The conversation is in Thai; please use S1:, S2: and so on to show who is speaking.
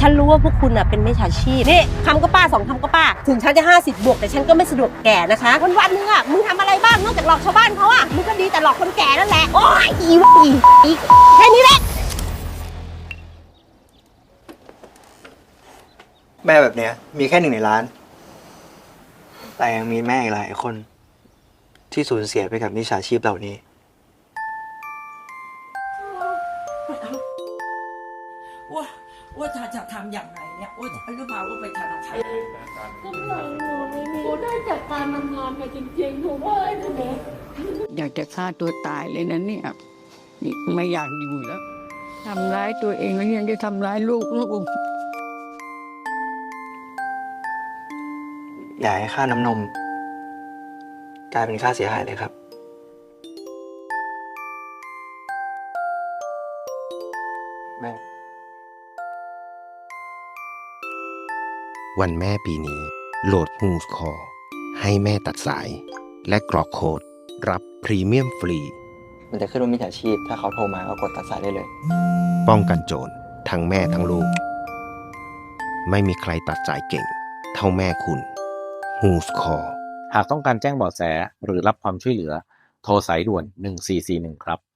S1: ฉันรู้ว่าพวกคุณเป็นมิจฉาชีพนี่คำก็ป้า2 คำก็ป้าถึงฉันจะ50 บวกแต่ฉันก็ไม่สะดวกแก่นะคะวันๆนึงมึงทำอะไรบ้างนอกจากหลอกชาวบ้านเขามึงก็ดีแต่หลอกคนแก่นั่นแหละโอ๊ยอีแค่นี้แหละ
S2: แม่แบบเนี้ยมีแค่1 ในล้านแต่ยังมีแม่อีกหลายคนที่สูญเสียไปกับมิจฉาชีพเหล่านี้
S3: ว่าจะทำอย่างไรเนี่ยว่าจะหรือเปล่าว่าไปธนาคาร
S4: กำลังหนูไม่มีได้จากการทำงานมาจริงๆหนูว่าหนูอยากจะฆ่าตัวตายเลยนะเนี่ยไม่อยากอยู่แล้วทำร้ายตัวเองแล้วยังจะทำร้ายลูก
S2: อย่าให้ค่าน้ำนมกลายเป็นค่าเสียหายเลยครับแม่
S5: วันแม่ปีนี้โหลด Who's Call ให้แม่ตัดสาย และกรอกโค้ดรับพรีเมียมฟรี
S2: มันจะขึ้นว่ามิจฉาชีพถ้าเขาโทรมาก็กดตัดสายได้เลย
S5: ป้องกันโจรทั้งแม่ทั้งลูก ไม่มีใครตัดสายเก่ง เท่าแม่คุณ Who's Call
S6: หากต้องการแจ้งเบาะแสหรือรับความช่วยเหลือโทรสายด่วน1441ครับ